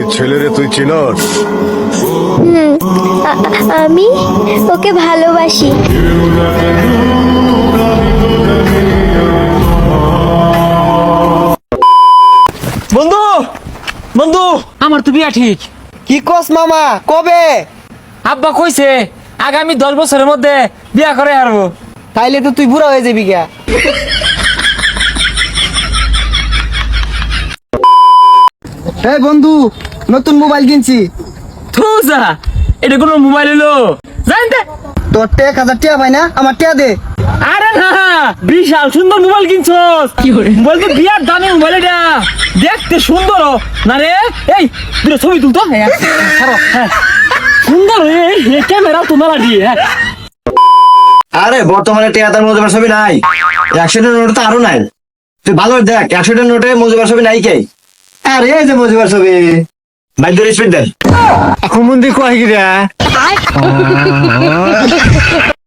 ছেলেরে তুই চিনস? আমি ওকে ভালোবাসি। বন্ধু বন্ধু আমার তো বিয়া ঠিক। কি কস মামা, কবে? আব্বা কইছে আগামী 10 বছরের মধ্যে বিয়া করে হারবো। তাইলে তো তুই বুড়া হয়ে যাবি গা। এই বন্ধু, নতুন মোবাইল কিনছি। থুজা এটা কোন মোবাইল হলো জানতে? তোর 1000 টাকা পাই না, আমার টাকা দে। আরে না বিশাল সুন্দর মোবাইল কিনছস। কি করে মোবাইল তো বিয়ার দামে মোবাইল এটা দেখতে সুন্দর না রে। এই দুটো ছবি তুলতো। হ্যাঁ সুন্দর এই ক্যামেরা তোমার দিয়ে। হ্যাঁ আরে বর্তমানে টিয়াতার মজুবার ছবি নাই, 100 টাকার নোটে তো আরো নাই। তুই ভালো দেখ 100 টাকার নোটে মজুবার ছবি নাই কে? আরে এই যে মজুবার ছবি, বাইর স্পিড দেন। এখন মন্দির কয় গিরা